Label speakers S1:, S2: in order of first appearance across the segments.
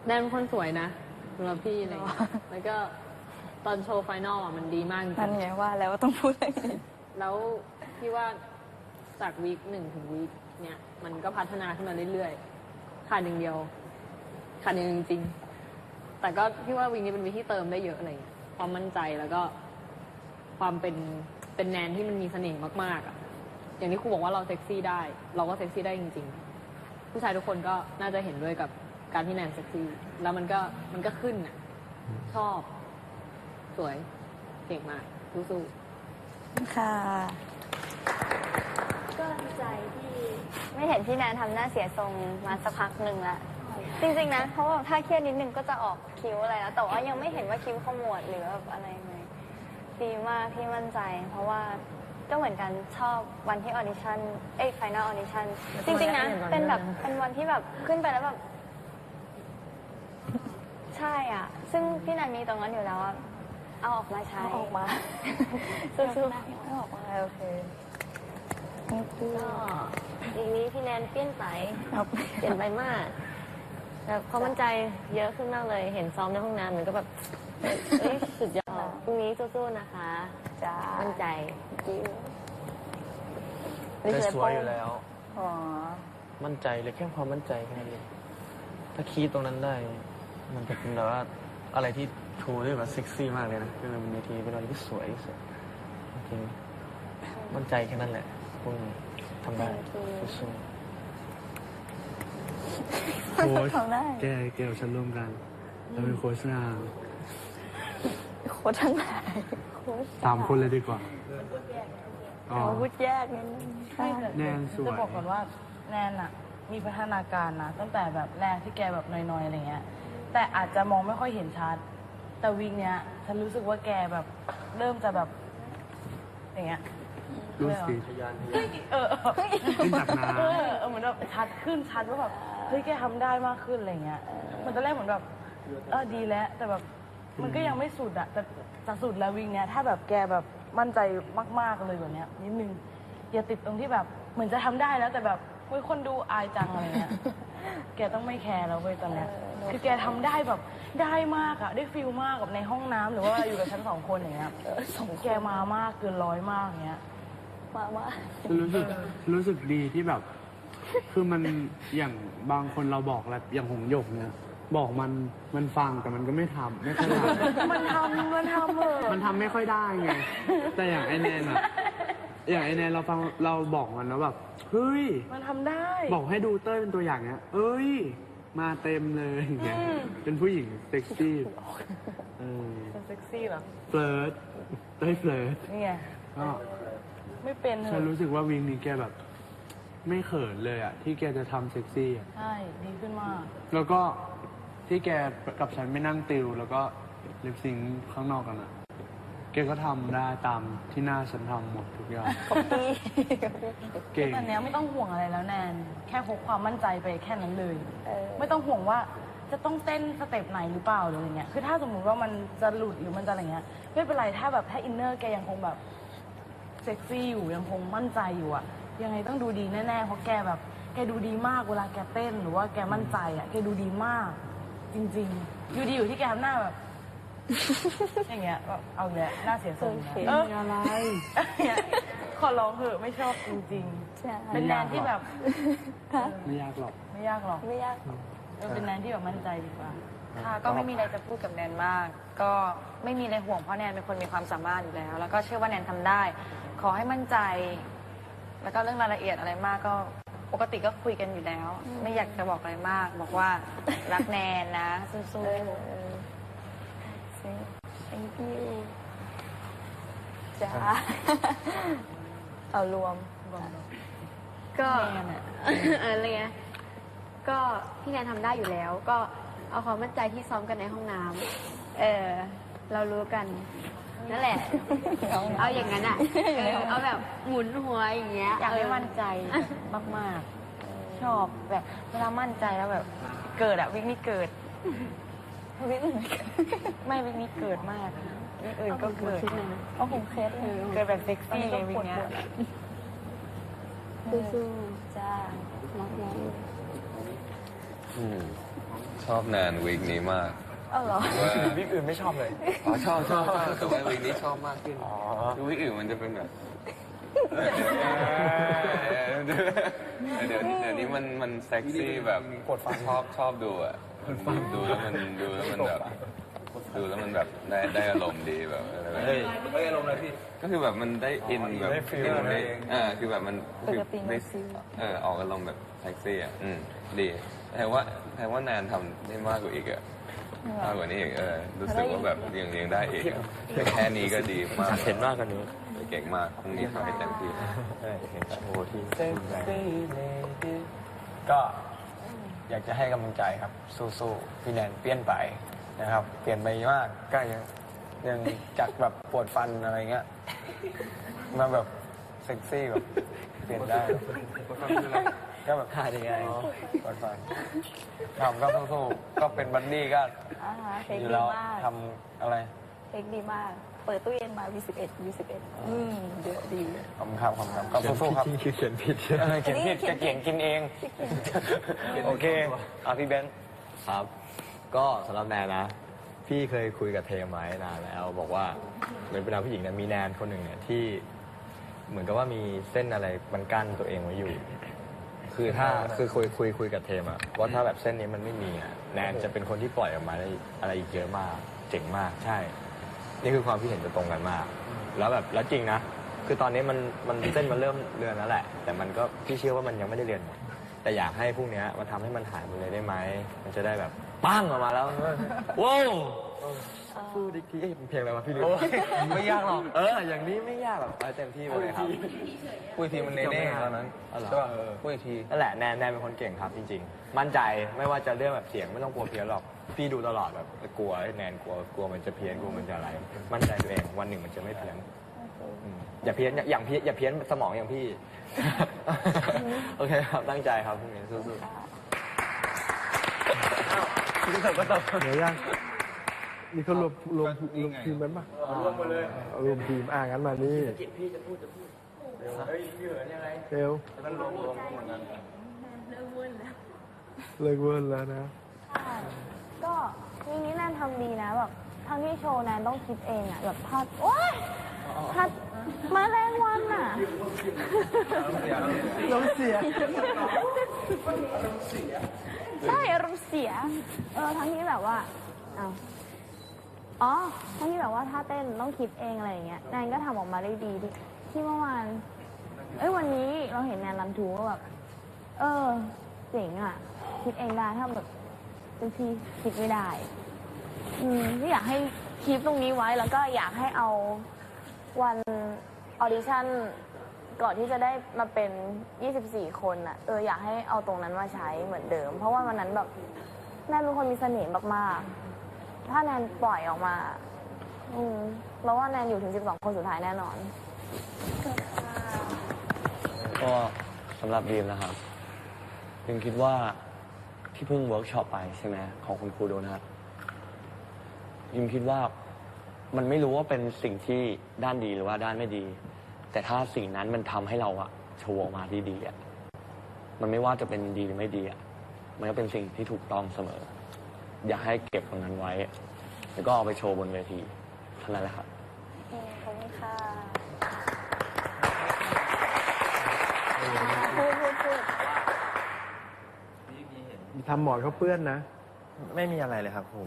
S1: แนนเป็นคนสวยนะสำหรับพี่อะไรอย่างเงี้ยแล้วก็ตอนโชว์ไฟนอลมันดีมากจริง
S2: นั่นไงว่าแล้วต้องพูดอะไรนี้
S1: แล้วพี่ว่าจากวีค1ถึงวีคเนี่ยมันก็พัฒนาขึ้นมาเรื่อยๆขาดอย่างเดียวขาดอย่างจริงๆแต่ก็พี่ว่าวีคนี้เป็นวีคที่เติมได้เยอะอะไรเงี้ยความมั่นใจแล้วก็ความเป็นแนนที่มันมีเสน่ห์มากๆอ่ะอย่างที่ครูบอกว่าเราเซ็กซี่ได้เราก็เซ็กซี่ได้จริงๆผู้ชายทุกคนก็น่าจะเห็นด้วยกับการที่แนนเซ็กซี่แล้วมันก็ขึ้นอ่ะชอบสวยเก่งมากสู้ๆ
S2: ค่ะ
S3: ก็ดีใจที่ไม่เห็นพี่แนนทำหน้าเสียทรงมาสักพักหนึ่งละจริงๆนะเพราะว่าถ้าเครียดนิดนึงก็จะออกคิ้วอะไรแล้วแต่ว่ายังไม่เห็นว่าคิ้วขมวดหรือแบบอะไรเลยดีมากที่มั่นใจ เพราะว่าก็เหมือนกันชอบวันที่ออดิชั่นไฟนอลออดิชั่นจริงๆนะเป็นวันที่แบบขึ้นไปแล้วแบบใช่อ่ะซึ่งพี่แนนมีตรงนั้นอยู่แล้วอะเอาออกมาใช้
S2: เอาออกมา
S3: สู้ๆ
S2: เอาออกมาโอเคก็
S4: อีกนี้พี่แนนเปลี่ยนไปเปลี่ยนไปมากแบบความมั่นใจเยอะขึ้นมากเลยเห็นซ้อมในห้องน้ำมันก็แบบเฮ้ยสุดยอดพรุ่งนี้สู้ๆนะคะ
S2: จ้า
S4: มั่นใจ
S5: แต่สวยอยู่แล้ว
S2: อ๋อ
S5: มั่นใจเลยแค่ความมั่นใจแค่นั้นเองถ้าคีดตรงนั้นได้ มันจะเป็นแบบว่าอะไรที่โชว์ได้แบบเซ็กซี่มากเลยนะคือมันเป็นเวทีเป็นอะไรที่สวยที่สุดจริงๆมั่นใจแค่นั้นแหละพวกนี้ทำได้สู้
S6: โค้ช
S2: ทำได้
S6: แกกับฉันร่วมกันเราเป็นโค้ชนาง
S2: โค้ชทั้งหลายโค้ช
S6: 3 คนเลยดีกว่าอ๋อ
S2: เอาพูดแยกนิดนึงใช่
S6: แนนสวย
S7: จะบอกก่อนว่าแนนอะมีพัฒนาการนะตั้งแต่แบบแรกที่แกแบบน้อยๆอะไรเงี้ยแต่อาจจะมองไม่ค่อยเห็นชัด แต่วีคเนี้ยฉันรู้สึกว่าแกแบบเริ่มจะแบบอย่างเงี้ย
S6: รู้สิ
S5: ๆทะยาน
S7: เฮ้ย
S6: ขึ้นจากน้
S7: เหมือนแบบชัดขึ้นชัดว่าแบบเฮ้ยแกทำได้มากขึ้นอะไรเงี้ยมันตอนแรกเหมือนแบบดีแล้วแต่แบบมันก็ยังไม่สุดอะแต่จะสุดแล้ววีคเนี้ยถ้าแบบแกแบบมั่นใจมากๆเลยแบบเนี้ยนิดนึงอย่าติดตรงที่แบบเหมือนจะทำได้แล้วแต่แบบเฮ้ยคนดูอายจังอะไรเงี้ย แกต้องไม่แคร์แล้วเว้ยตอนเนี้ยคือแกทำได้แบบได้มากอะได้ฟิลมากกับในห้องน้ำหรือว่าอยู่กับฉัน2 คนอย่างเงี้ยแกมามากเกิน100มากอย่างเงี้ย
S2: มา
S6: ำฉันรู้สึกดีที่แบบ คือมันอย่างบางคนเราบอกแล้วอย่างหงหยกเนี่ยบอกมันฟังแต่มันก็ไม่ทำไม่ค่อยทำ
S7: มันทำเถอะ
S6: มันทำไม่ค่อยได้ไง แต่อย่างไอแนนอะอย่างไอแนนเราบอกมันแล้วแบบเฮ้ย
S7: มันทำได้
S6: บอกให้ดูเต้ยเป็นตัวอย่างเนี้ย เอ้ย มาเต็มเลยอย่างเงี้ย เป็นผู้หญิงเซ็กซี่
S7: เป็นเซ็กซี่เหรอ
S6: เฟลิร์ตเต้ยเฟลิร์ต
S7: นี่ไง
S6: ก็
S7: ไม่เป็นเถ
S6: ฉัน
S7: อะ
S6: รู้สึกว่าวิงนี้แกแบบ ไม่เขินเลยอะที่แกจะทำเซ็กซี่อะ
S7: ใช่ดีขึ้นมาก
S6: แล้วก็ที่แกกับฉันไม่นั่งติว แล้วก็ลิปซิงค์ข้างนอกกันอะแกก็ทำได้ตามที่หน้าฉันทำหมดทุกอย่าง
S2: พี่
S6: เก่ง
S7: ตอนเนี้ยไม่ต้องห่วงอะไรแล้วแนนแค่พกความมั่นใจไปแค่นั้นเลย
S2: เออ
S7: ไม่ต้องห่วงว่าจะต้องเต้นสเต็ปไหนหรือเปล่าหรืออะไรเงี้ย คือถ้าสมมุติว่ามันจะหลุดหรือมันจะอะไรเงี้ยไม่เป็นไรถ้าแบบถ้าอินเนอร์แกยังคงแบบเซ็กซี่อยู่ยังคงมั่นใจอยู่อะยังไงต้องดูดีแน่ๆเพราะแกแบบแกดูดีมากเวลาแกเต้นหรือว่าแกมั่นใจอะแกดูดีมาก จริงๆดูดีอยู่ที่แกทำหน้าแบบ อย่างเงี้ยแบบเอาอีกแล้วหน้าเสียทรงอีกแล้ว
S6: อะไร
S7: เนี่ยขอร้องเถอะไม่ชอบจริง
S2: ใช่
S7: ๆ เป็นแนนที่แบบ
S6: ไม่ยากหรอก
S7: ไม่ยากหรอก
S2: ไม่ยาก
S7: เป็นแนนที่แบบมั่นใจดีกว่า
S8: ค่ะก็ไม่มีอะไรจะพูดกับแนนมาก ก็ไม่มีอะไรห่วงเพราะแนนเป็นคนมีความสามารถอยู่แล้ว แล้วก็เชื่อว่าแนนทำได้ ขอให้มั่นใจ แล้วก็เรื่องรายละเอียดอะไรมากก็ปกติก็คุยกันอยู่แล้ว ไม่อยากจะบอกอะไรมาก บอกว่ารักแนนนะสู้ๆ
S2: thank you จ้าเอารวม
S4: ก็อะไรเงี้ยก็พี่แนนทำได้อยู่แล้ว ก็เอาความมั่นใจที่ซ้อมกันในห้องน้ำเรารู้กันนั่นแหละ เอาอย่างนั้นอ่ะเอาแบบหมุนหัวอย่างเงี้ย
S8: อยากให้มั่นใจมากๆ ชอบแบบเวลามั่นใจแล้วแบบเกิดอะวิกนี้เกิด ไม่วิกนี้เกิดมากวิกอื่นก็เกิด
S2: เอาผมเคสเลย
S8: เกิดแบบเซ็กซี่ไงวิกเนี้ย
S2: สู้ๆจ้ารักน้อง
S9: ชอบแนนวีคนี้มาก
S2: เออเหรอ
S9: ว่า
S5: วิกอื่นไม่ชอบเลย
S9: อ๋อชอบแต่ว่าวีคนี้ชอบมากขึ้นคือวีคอื่นมันจะเป็นแบบเดี๋ยวนี้มันเซ็กซี่แบบชอบดูอ่ะดูแล้วมันแบบดูแล้วมันแบบได้อารมณ์ดีแบบอะไรแบบนี้
S5: ไม่อารมณ์เลยพี่
S9: ก็คือแบบมันได้อินแบบ
S5: ได้ feel
S9: อินได้
S5: เอง
S9: คือแบบมัน
S2: ปกติมัน
S9: ได้
S2: feel
S9: ออกอารมณ์แบบเซ็กซี่อ่ะดีแต่ว่าแนนทำได้มากกว่าอีกอ่ะมากกว่านี้อีกรู้สึกว่าแบบยังได้อีกอะแต่แค่นี้ก็ดีมาก
S5: เห็นมากกว่านี้
S9: เก่งมากพรุ่งนี้ทำให้เต็มที่
S5: เห็นโชว์ที่ก็อยากจะให้กำลังใจครับ สู้ๆพี่แนนเปลี่ยนไปนะครับ เปลี่ยนไปมากก็ยังจากแบบปวดฟันอะไรเงี้ยมาแบบเซ็กซี่แบบเปลี่ยนได้ก็แบบท่ายังไงปวดฟันทำก็สู้ๆก็เป็นบัดดี้ก็
S2: เทค
S5: อยู่
S2: ดี
S5: แล้ว
S2: มาก
S5: ทำอะไร
S2: เทคดีมาก เปิดตู้เย็นมา V11 เยอะดี
S5: ขอบคุณครับก็สู้ๆครับเขียนผิดเขียนผิดจะเขียนกินเอง โอเคเอาพี่เบนซ์
S10: ครับ ก็สำหรับแนนนะ พี่เคยคุยกับเทมไว้นานแล้ว บอกว่าเหมือนเป็นผู้หญิงเนี่ยมีแนนคนหนึ่งเนี่ยที่เหมือนกับว่ามีเส้นอะไรมันกั้นตัวเองไว้อยู่ คือถ้าคือคุยกับเทมอะว่าถ้าแบบเส้นนี้มันไม่มีอะแนนจะเป็นคนที่ปล่อยออกมาได้อะไรอีกเยอะมากเจ๋งมากใช่ นี่คือความคิดเห็นจะตรงกันมาก แล้วจริงนะ คือตอนนี้มันเส้นมันเริ่มเลือนแล้วแหละ แต่มันก็พี่เชื่อว่ามันยังไม่ได้เลือนหมด แต่อยากให้พวกเนี้ยมาทำให้มันหายไปเลยได้ไหม มันจะได้แบบปั้งออกมาแล้วว้าวพูดอีกทีเพลงอะไรวะพี่ลืมไม่ยากหรอกอย่างนี้ไม่ยากหรอกเอาเต็มที่ไปเลยครับพูดทีมันเน่ๆตอนนั้นใช่ป่ะพูดอีกทีนั่นแหละแนนเป็นคนเก่งครับจริงๆมั่นใจไม่ว่าจะเรื่องแบบเสียงไม่ต้องกลัวเพี้ยนหรอกพี่ดูตลอดแบบกลัวแนนกลัวมันจะเพี้ยนกลัวมันจะอะไร มั่นใจตัวเองวันหนึ่งมันจะไม่เพี้ยนอย่าเพี้ยนอย่างพี่อย่าเพี้ยนสมองอย่างพี่ โอเคครับตั้งใจครับพรุ่งนี้สู้ๆพี่เถิดก็ตบ
S6: เดี๋ยวยังนี่เขารวมทีมกันปะรวมมาเลยรวมทีมงั้นมานี่
S5: พี่จะพูดเฮ้ยพี่เหมือนยังไง
S6: เร็ว
S5: มันรวมเหมือนกัน
S6: เลิกเวิร์นแล้วนะ
S3: ก็วีคนี้แนนทำดีนะแบบทั้งที่โชว์แนนต้องคิดเองอะแบบพัดโอ๊ยพัดมาแรงวันอะ
S6: น้องเสีย
S3: ใช่อารมณ์เสียทั้งที่แบบว่าทั้งที่แบบว่าถ้าเต้นต้องคิดเองอะไรอย่างเงี้ยแนนก็ทำออกมาได้ดีที่เมื่อวานวันนี้เราเห็นแนนรันทูก็แบบเจ๋งอะคิดเองได้ถ้าแบบเป็นที่คิดไม่ได้ที่อยากให้คลิปตรงนี้ไว้แล้วก็อยากให้เอาวันออดิชั่นก่อนที่จะได้มาเป็น 24 คนอ่ะอยากให้เอาตรงนั้นมาใช้เหมือนเดิม เพราะว่าวันนั้นแบบแนนเป็นคนมีเสน่ห์มากๆถ้าแนนปล่อยออกมาแล้วว่าแนนอยู่ถึง 12 คนสุดท้ายแน่นอน
S10: ก็สำหรับบีมนะครับบีมคิดว่าที่เพิ่งเวิร์กช็อปไปใช่ไหมของคุณครูโดนัทบีมคิดว่ามันไม่รู้ว่าเป็นสิ่งที่ด้านดีหรือว่าด้านไม่ดี แต่ถ้าสิ่งนั้นมันทำให้เราอะโชว์ออกมาที่ดีอะมันไม่ว่าจะเป็นดีหรือไม่ดีอะมันก็เป็นสิ่งที่ถูกต้องเสมอ อยากให้เก็บตรงนั้นไว้ แล้วก็เอาไปโชว์บนเวทีเท่านั้นแหละครับ
S3: ขอบคุณค่ะพูด
S6: ทำหมอนเขาเปื้อนนะ
S5: ไม่มีอะไรเลยครับผม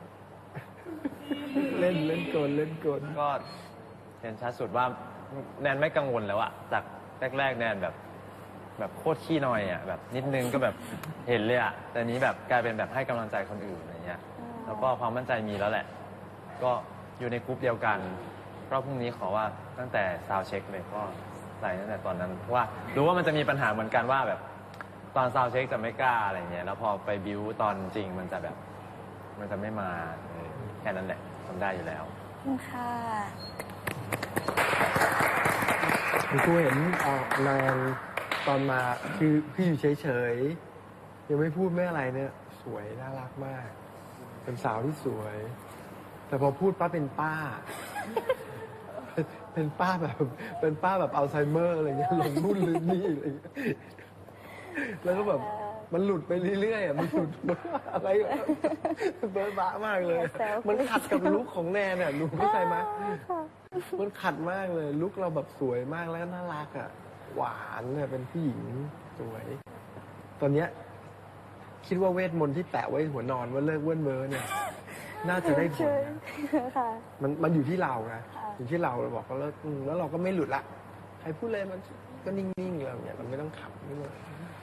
S6: เล่นกล
S10: ก็เห็นชัดสุดว่าแนนไม่กังวลแล้วอะจากแรกๆแนนแบบโคตรขี้นอยอะแบบนิดนึงก็แบบเห็นเลยอะแต่นี้แบบกลายเป็นแบบให้กำลังใจคนอื่นอะไรเงี้ยแล้วก็ความมั่นใจมีแล้วแหละ ก็อยู่ในกรุ๊ปเดียวกันรอบพรุ่งนี้ขอว่าตั้งแต่ซาวเช็คเลยก็ใส่ตั้งแต่ตอนนั้นเพราะว่ารู้ว่ามันจะมีปัญหาเหมือนกันว่าแบบตอนซาวเช็คจะไม่กล้าอะไรเงี้ยแล้วพอไปบิวตอนจริงมันจะแบบมันจะไม่มาแค่นั้นแหละทำได้อยู่แล้ว
S3: ค่ะ
S6: กูเห็นนางตอนมาคือพี่อยู่เฉยๆยังไม่พูดไม่อะไรเนี่ย สวยน่ารักมาก เป็นสาวที่สวย แต่พอพูดป้าเป็นป้า เป็นป้าแบบอัลไซเมอร์อะไรเงี้ยหลงนู่นลืมนี่อะไรเงี้ยแล้วก็แบบมันหลุดไปเรื่อยๆอ่ะมันหลุดอะไรเบิร์บ้ามากเลย มันขัดกับลุคของแนนอ่ะลุคเข้าใจไหมมันขัดมากเลยลุคเราแบบสวยมากแล้วก็น่ารักอ่ะหวานเนี่ยเป็นผู้หญิงสวย ตอนเนี้ยคิดว่าเวทมนต์ที่แปะไว้หัวนอนว่าเลิกเว้นเว้อเนี่ยน่าจะได้ผลนะ
S2: ค่ะ
S6: มันอยู่ที่เราไงอยู่ที่เราบอกก็เลิกแล้วเราก็ไม่หลุดละใครพูดเลยมันก็นิ่งๆเราเนี่ยเราไม่ต้องขับไม่ต้อง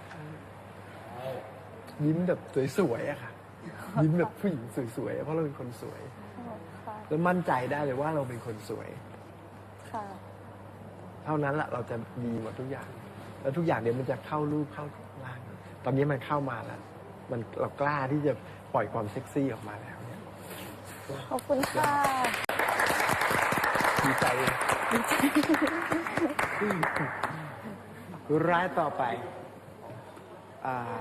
S6: ยิ้มแบบสวยๆอะค่ะยิ้มแบบผู้หญิงสวยๆเพราะเราเป็นคนสวย
S2: ค่ะ
S6: แล้วมั่นใจได้เลยว่าเราเป็นคนสวย
S2: ค่ะ
S6: เท่านั้นแหละเราจะดีหมดทุกอย่าง แล้วทุกอย่างเดี๋ยวมันจะเข้ารูปเข้าร่าง ตอนนี้มันเข้ามาแล้วมันเรากล้าที่จะปล่อยความเซ็กซี่ออกมาแล้วเนี่ย
S2: ขอบคุณค่ะ
S6: ดีใจรายต่อไป